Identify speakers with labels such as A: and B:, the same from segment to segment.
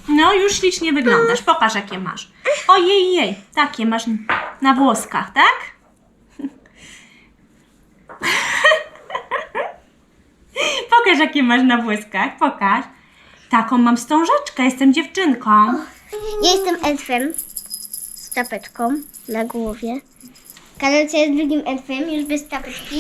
A: No, już ślicznie wyglądasz. Pokaż, jakie masz. Ojej, takie masz na włoskach, tak? Pokaż, jakie masz na włoskach. Pokaż. Taką mam wstążeczkę, jestem dziewczynką.
B: Ja jestem elfem z czapeczką na głowie. Karolcia jest drugim elfem, już bez czapeczki.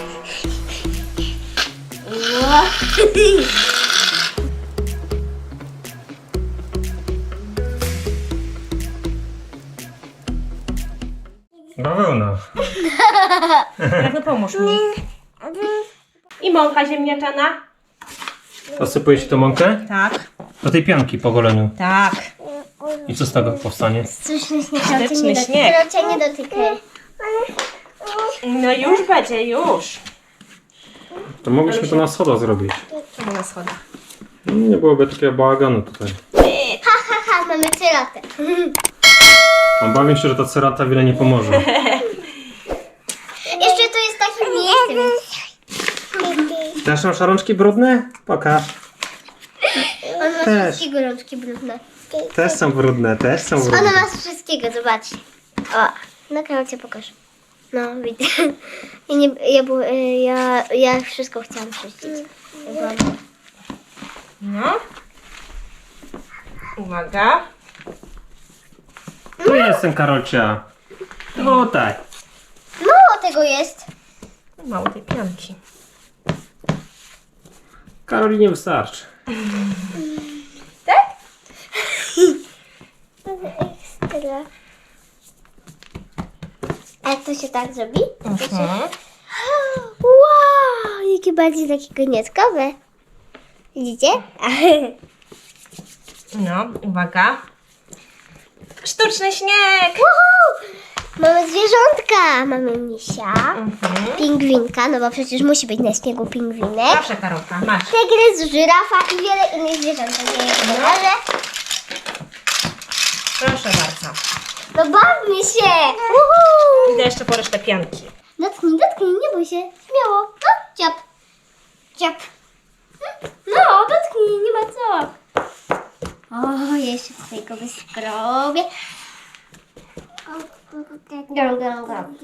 C: Bawełna.
A: No pomóż mi. I mąka ziemniaczana?
C: Posypuje się tą mąkę?
A: Tak.
C: Do tej pianki po goleniu.
A: Tak.
C: I co z tego powstanie?
B: Sztuczny śnieg.
A: Sztuczny śnieg.
B: Karolcia nie dotykaj.
A: No już będzie, już.
C: To mogliśmy to na schodo zrobić.
A: Czemu na schodach?
C: Nie byłoby takiego bałaganu tutaj.
B: Ha, mamy ceratę.
C: Obawiam się, że ta cerata wiele nie pomoże.
B: Jeszcze tu jest takie miejsce.
C: Też masz rączki brudne? Pokaż.
B: On ma
C: Też.
B: wszystkiego rączki brudne.
C: Też są brudne, też są
B: Ona
C: brudne.
B: ma z wszystkiego, zobacz. O, na Karolcie pokaż. No, widzę. Ja wszystko chciałam czyścić.
A: No. Uwaga.
C: Tu jestem, Karolcia. Tutaj.
B: Mało tego jest.
A: Mało tej pianki.
C: Karoli nie wystarczy.
B: Tak? Ekstra. A jak to się tak zrobi? To się... Wow, jakie bardziej takie konieckowe. Widzicie?
A: No, uwaga. Sztuczny śnieg!
B: Woohoo! Mamy zwierzątka. Mamy misia, pingwinka, no bo przecież musi być na śniegu pingwinek.
A: Proszę, Karolka, masz.
B: Tygrys, żyrafa i wiele innych zwierząt.
A: Proszę bardzo.
B: No bawmy się! Woohoo!
A: Idę jeszcze po resztę pianki.
B: Dotknij, nie bój się. Śmiało. No, ciap. Ciap. No, dotknij, nie ma co. O, jeszcze tutaj go wyskrobię. Gam.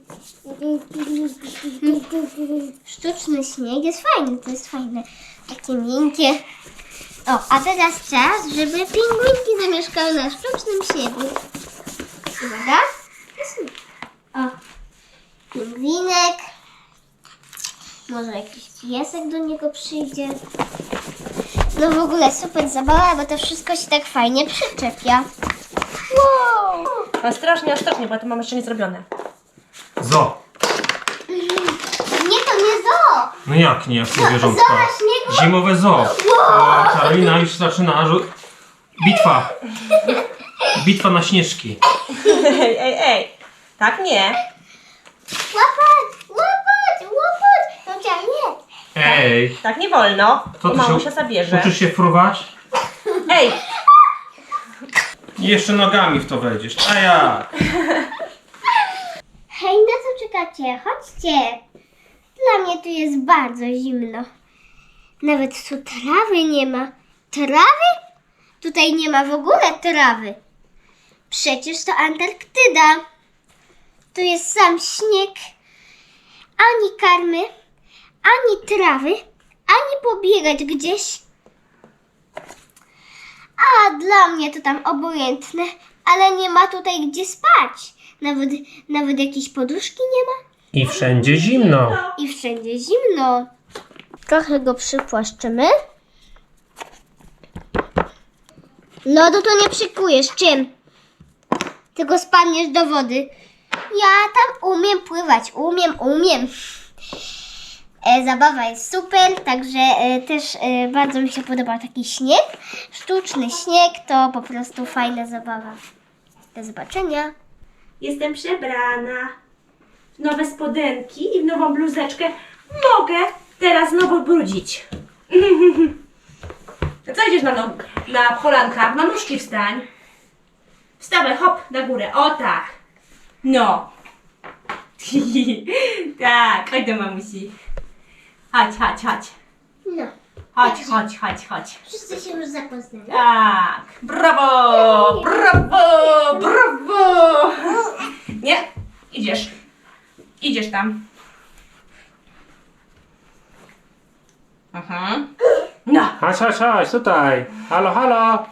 B: Sztuczny śnieg jest fajny, to jest fajne. Takie miękkie. O, a teraz czas, żeby pingwinki zamieszkały na sztucznym śniegu. Uwaga. O, pingwinek. Może jakiś piesek do niego przyjdzie. No w ogóle super zabawa, bo to wszystko się tak fajnie przyczepia. Wow!
A: Ostrożnie, bo to mam jeszcze nie zrobione.
C: Zo.
B: Nie, to nie zoo!
C: No jak nie, jak to zwierzątka?
B: Zoo na śniegu?
C: Zimowe zoo. O, Karolina już zaczyna. Bitwa. Bitwa na śnieżki.
A: Ej. Tak nie.
B: Łapać! No chciałam nie.
C: Ej.
A: Tak nie wolno.
C: To
A: Bo
C: ty
A: mamusia zabierze.
C: uczysz się fruwać?
A: Ej.
C: I jeszcze nogami w to wejdziesz. A jak?
B: Hej, na co czekacie? Chodźcie! Dla mnie tu jest bardzo zimno. Nawet tu trawy nie ma. Trawy? Tutaj nie ma w ogóle trawy. Przecież to Antarktyda. Tu jest sam śnieg. Ani karmy, ani trawy, ani pobiegać gdzieś. A dla mnie to tam obojętne, ale nie ma tutaj gdzie spać. Nawet jakiejś poduszki nie ma.
C: I wszędzie zimno.
B: I wszędzie zimno. Trochę go przypłaszczymy. Lodu to nie przykujesz. Czym? Tylko spadniesz do wody. Ja tam umiem pływać. Umiem. Zabawa jest super, także też bardzo mi się podoba taki śnieg. Sztuczny śnieg to po prostu fajna zabawa. Do zobaczenia.
A: Jestem przebrana w nowe spodenki i w nową bluzeczkę. Mogę teraz znowu brudzić. Co idziesz na kolankach? Na nóżki wstań. Wstawaj, hop, na górę. O tak. No. Tak, chodź do mamusi. Chodź.
B: No.
A: Chodź, chodź, chodź, chodź.
B: Wszyscy się już zapoznali.
A: Tak, brawo, brawo, brawo. Nie, idziesz. Idziesz tam. Aha. No.
C: Chodź, chodź, chodź, tutaj. Halo, halo.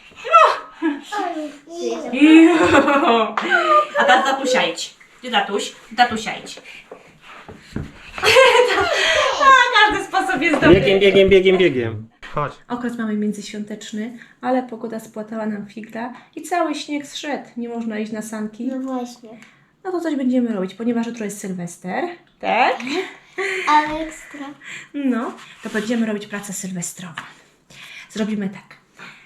A: A teraz tatusia idź. Gdzie tatuś? Tatusia idź. A, każdy sposób jest dobry.
C: Biegiem, biegiem, biegiem, biegiem. Chodź.
A: Okres mamy międzyświąteczny, ale pogoda spłatała nam figla i cały śnieg zszedł. Nie można iść na sanki.
B: No właśnie.
A: No to coś będziemy robić, ponieważ jutro jest Sylwester. Tak?
B: Ale ekstra.
A: No, to będziemy robić pracę sylwestrową. Zrobimy tak.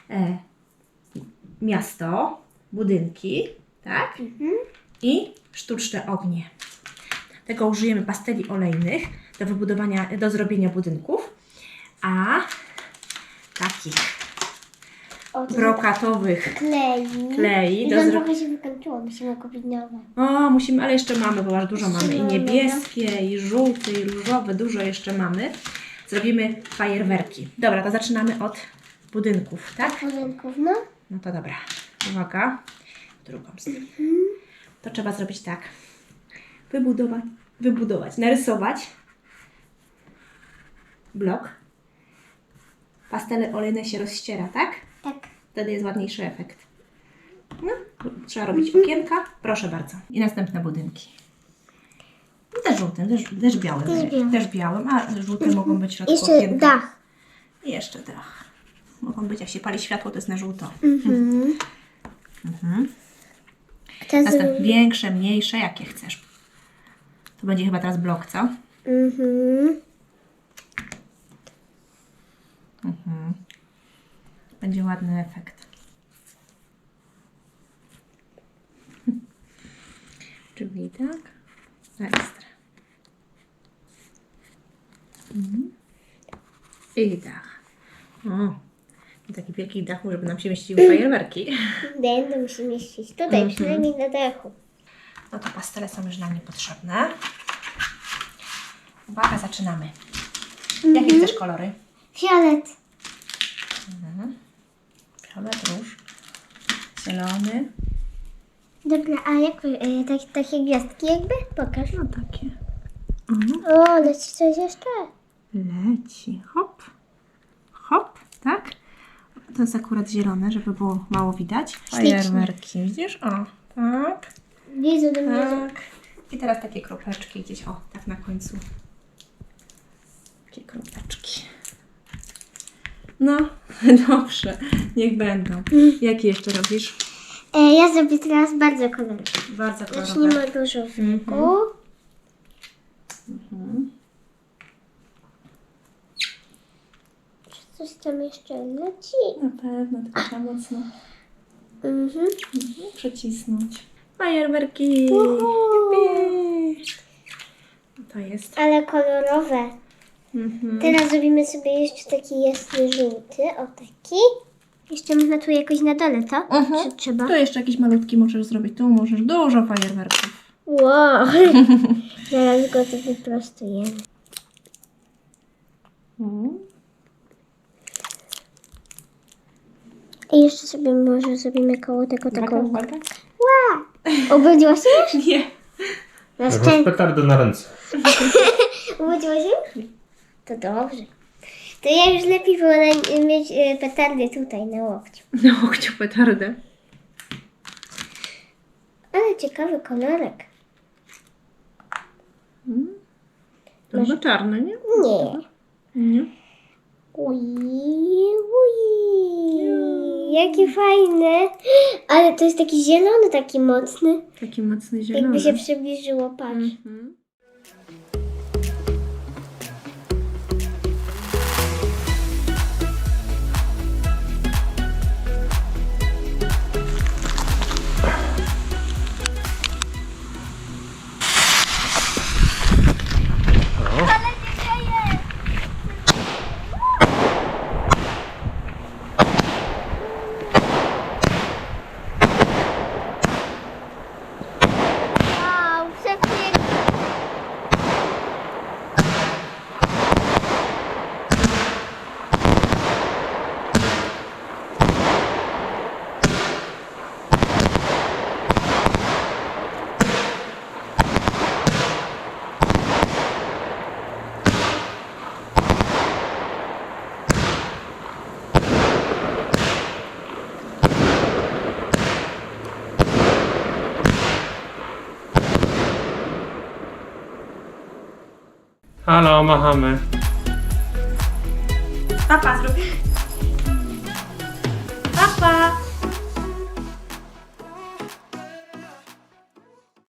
A: Miasto, budynki, tak? I sztuczne ognie. Tego użyjemy pasteli olejnych do wybudowania, do zrobienia budynków. A takich
B: O, to
A: brokatowych klei
B: I
A: do
B: nam
A: zrobienia.
B: trochę się wykończyło, musimy kupić nowe.
A: O, musimy, ale jeszcze mamy, bo aż dużo mamy. I
B: mamy,
A: niebieskie, i żółte, i różowe, dużo jeszcze mamy. Zrobimy fajerwerki. Dobra, to zaczynamy od budynków, tak?
B: Budynków, no.
A: No to dobra. Uwaga. W drugą stronę. To trzeba zrobić tak. Wybudować, narysować blok. Pastele olejne się rozściera, tak?
B: Tak.
A: Wtedy jest ładniejszy efekt. No, trzeba robić okienka. Proszę bardzo. I następne budynki. Też żółtym, też białym. Też białym, a żółte mogą być w środku
B: Jeszcze
A: okienka.
B: dach.
A: I jeszcze dach. Mogą być, jak się pali światło, to jest na żółto.
B: Kto
A: Następne większe, mniejsze, jakie chcesz. To będzie chyba teraz blok, co? Będzie ładny efekt. Czyli tak. Ekstra. I dach. O, taki wielki dach, żeby nam się mieściły fajerwerki.
B: Będę musi mieścić tutaj, przynajmniej na dachu.
A: No to pastele są już nam niepotrzebne. Uwaga, zaczynamy. Jakie chcesz kolory?
B: Fiolet.
A: Fiolet, róż, zielony.
B: Dobra, a jak takie gwiazdki jakby? Pokaż.
A: No takie.
B: O, leci coś jeszcze.
A: Leci. Hop. Hop, tak? To jest akurat zielone, żeby było mało widać. Fajerwerki, widzisz? O, tak.
B: Widzę do mnie.
A: Tak. I teraz takie kropeczki gdzieś, o, tak na końcu. Takie kropeczki. No, dobrze, niech będą. Jakie jeszcze robisz?
B: Ja zrobię teraz bardzo kolorowe.
A: Bardzo kolorowe.
B: Zacznijmy od różowego. Czy coś tam jeszcze leci?
A: Na pewno, tylko trzeba mocno
B: Mhm.
A: przycisnąć. Fajerwerki!
B: Uhu.
A: Jupi! To jest.
B: Ale kolorowe.
A: Mhm.
B: Teraz zrobimy sobie jeszcze taki jasny żółty. O, taki. Jeszcze można tu jakoś na dole, co? Czy trzeba?
A: Tu jeszcze jakiś malutki możesz zrobić. Tu możesz dużo fajerwerków.
B: Wow. Zaraz go tu wyprostujemy. I jeszcze sobie może zrobimy koło tego taką...
A: Uwaga.
B: Wow! Obudziło się już?
A: Nie.
B: Na
C: Masz
B: szczęście.
C: petardę na ręce.
B: Obudziło się? To dobrze. To ja już lepiej wolę mieć petardy tutaj na łokciu.
A: Na łokciu petardę.
B: Ale ciekawy kolorek.
A: To chyba czarne, nie?
B: Nie.
A: Nie.
B: Ui. Jakie fajne. Ale to jest taki zielony, taki mocny.
A: Taki mocny zielony.
B: Jakby się przybliżyło, patrz.
A: Mhm.
B: Wow, przepięknie.
C: Halo, machamy.
A: Papa zrób. Papa.